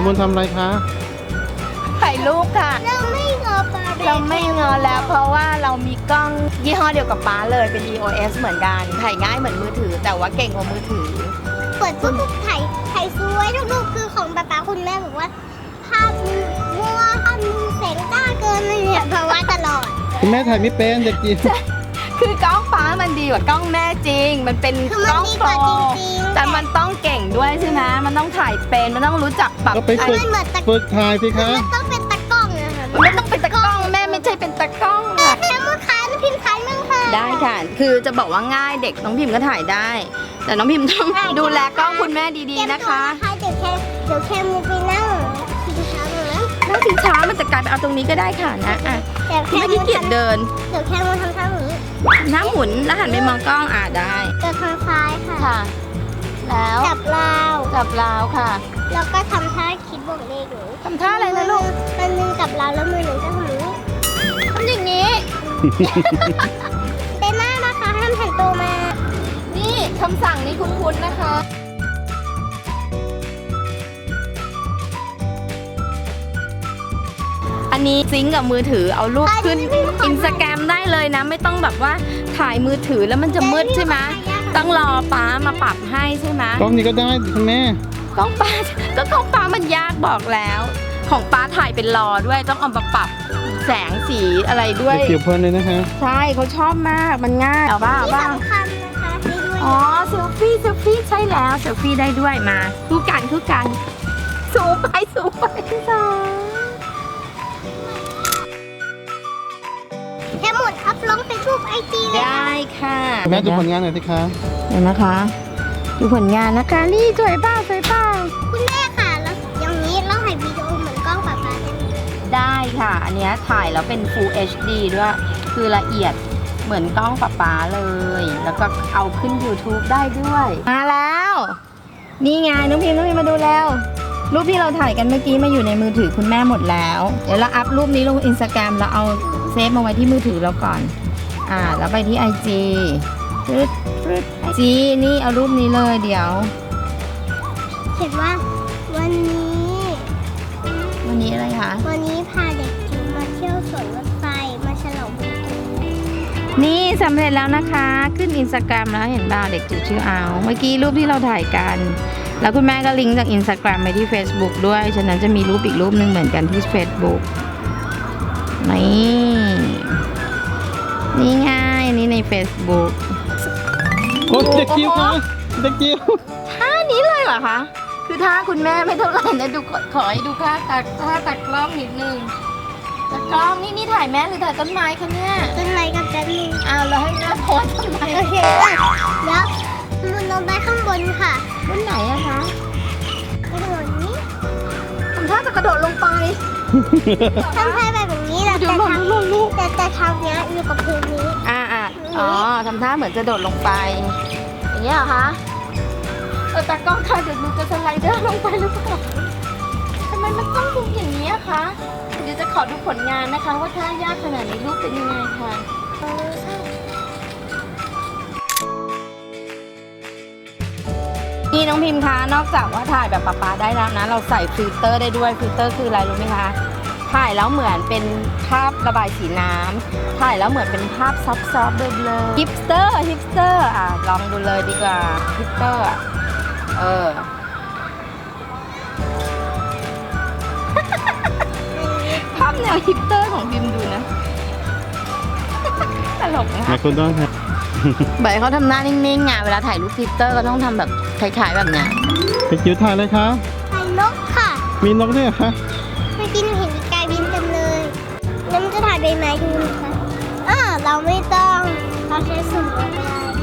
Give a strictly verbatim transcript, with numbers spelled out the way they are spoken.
มุนทำอะไรคะถ่ายรูปค่ะเราไม่งอปลาเราไม่งอแล้วเพราะว่าเรามีกล้องยี่ห้อเดียวกับป๊าเลยเป็น อี โอ เอส เหมือนกันถ่ายง่ายเหมือนมือถือแต่ว่าเก่งกว่ามือถือเปิดทุกๆถ่ายถ่ายสวยทุกรูปคือของป๊าป๊าคุณแม่บอกว่าภาพมัวภาพมึงแสงจ้าเกินเลยเนี่ยเพราะว่าตลอดคุณแม่ถ่ายไม่เป็นเด็กจีคือกล้องป๊ามันดีกว่ากล้องแม่จริงมันเป็นกล้องโปรแต่มันต้องเก่งด้วยใช่ไหมมันต้องถ่ายเป็นมันต้องรู้จักปรับก็ไปฝึกฝึกถ่ายสิคะมันต้องเป็นตะกล้องนะคะมันต้องเป็นตะกล้องแม่ไม่ใช่เป็นตะกล้องค่ะแล้วมือค้าน้องพิมพ์ถ่ายมั่งค่ะได้ค่ะคือจะบอกว่าง่ายเด็กน้องพิมพ์ก็ถ่ายได้แต่น้องพิมพ์ต้องดูแลกล้องคุณแม่ดีๆนะคะเดี๋ยวแค่เดี๋ยวแค่มือไปนั่งชิงช้าหน่อยนั่งชิงช้ามันจะกลายไปเอาตรงนี้ก็ได้ค่ะนะอ่ะไม่ขี้เกียจเดินเดี๋ยวแค่มือทำท่าหมุนหน้าหมุนแล้วหันไปมองกล้องอ่ะได้จะทางซ้ายค่ะค่ะแล้วจับราวจับราวค่ะแล้วก็ทำท่าคิดบวกเลขหนูทำท่าอะไรนะลูกมันหนึ่งจับราวแล้วมือหนึ่งก็ทำนี้ทำอย่างนี้เต้นหน้านะคะห้ามหันตัวมานี่คำสั่งนี้คุ้นๆนะคะอันนี้ซิงก์กับมือถือเอารูปขึ้นอินสตาแกรมได้เลยนะไม่ต้องแบบว่าถ่ายมือถือแล้วมันจะมืดใช่ไหมต้องรอป้ามาปรับให้ใช่ไหมกล้องนี้ก็ได้คุณแม่กล้องป้าก็กล้องป้ามันยากบอกแล้วของป้าถ่ายเป็นรอด้วยต้องเอามาปรับแสงสีอะไรด้วยเกี่ยวเพลินเลยนะคะใช่เขาชอบมากมันง่ายเอาบ้าบ้าอ๋อเซลฟี่เซลฟี่ใช่แล้วเซลฟี่ได้ด้วยมาคู่กันคู่กันสูงไปสูงไปสองแค่หมดอัพลงเฟซบุ๊กไอจีเลยได้ค่ะแม่ดูผลงานหน่อยสิคะเห็นนะคะดูผลงานนะคะนี่สวยป้าสวยป้าคุณแม่ค่ะแล้วอย่างนี้เราถ่ายวิดีโอเหมือนกล้องป๊าป๊าได้ไหมได้ค่ะอันนี้ถ่ายแล้วเป็น Full เอช ดี ด้วยคือละเอียดเหมือนกล้องป๊าป๊าเลยแล้วก็เอาขึ้น YouTube ได้ด้วยมาแล้วนี่ไงน้องพิมพ์น้องพิมพ์มาดูแล้วรูปที่เราถ่ายกันเมื่อกี้มาอยู่ในมือถือคุณแม่หมดแล้วเดี๋ยวเราอัพรูปนี้ลง Instagram แล้วเอาเซฟมาไว้ที่มือถือเราก่อนอ่าแล้วไปที่ ไอ จีฟึดฟึดไอจีนี่เอารูปนี้เลยเดี๋ยวเขียนว่าวันนี้วันนี้อะไรคะวันนี้พาเด็กจิ๋วมาเที่ยวสวนรถไฟมาฉลองวันเกิดนี่สำเร็จแล้วนะคะขึ้น Instagram แล้วเห็นบ่าวเด็กจิ๋วชื่อเอาเมื่อกี้รูปที่เราถ่ายกันแล้วคุณแม่ก็ลิงก์จาก Instagram ไปที่ Facebook ด้วยฉะนั้นจะมีรูปอีกรูปหนึ่งเหมือนกันที่ Facebook นี่นี่ง่ายอันนี้ใน Facebook โอ้เด็กจิ๋วค่ะเด็กจิ๋วท่านี้เลยเหรอคะคือท่าคุณแม่ไม่เท่าไหร่นะดูขอให้ดูท่าตักท่าตักกล้องนิดนึงตักกล้องนี่นี่ถ่ายแม่หรือถ่ายต้นไม้คะเนี่ยต้นไม้กับต้นนึงอ้าวเราให้แม่โพสต้นไม้โอเคแล้วมันลงไปข้างบนค่ะบนไหนอะคะกระโดดนี้ทำท่าจะกระโดดลงไปทำท่าแบบนี้แหละแต่ทำแต่แต่ทำเนี้ยอยู่กับพื้นนี้อ่าอ่าอ๋อทำท่าเหมือนจะโดดลงไปอย่างเงี้ยเหรอคะเออตากล้องค่ะเดี๋ยวหนูจะสไลเดอร์ลงไปหรือเปล่าทำไมมันต้องดูอย่างนี้อะคะเดี๋ยวจะขอดูผลงานนะคะว่าท่ายากขนาดนี้รูปเป็นยังไงค่ะนี่น้องพิมพ์คะนอกจากว่าถ่ายแบบป๊าๆได้แล้วนะเราใส่ฟิลเตอร์ได้ด้วยฟิลเตอร์คืออะไรรู้ไหมคะถ่ายแล้วเหมือนเป็นภาพระบายสีน้ำถ่ายแล้วเหมือนเป็นภาพซอฟต์ๆเบลอๆฮิปสเตอร์ฮิปสเตอร์อ่ะลองดูเลยดีกว่าฮิปสเตอร์อ่ะเออภาพแนวฮิปสเตอร์ของพิมพ์ดูนะตลกนะมาคุณต้องครับใบเขาทำหน้านิ่งๆไงเวลาถ่ายรูปฮิปสเตอร์ก็ต้องทำแบบคล้ายๆแบบเนี้ยเด็กจิ๋วถ่ายเลยคะถ่ายนกค่ะมีนกด้วยคะเมื่อกี้หนูเห็นกายบินเต็มเลยแล้วมันจะถ่ายใบไม้ดูนะคะอ่าเราไม่ต้องเราใช้สุ่มก็ได้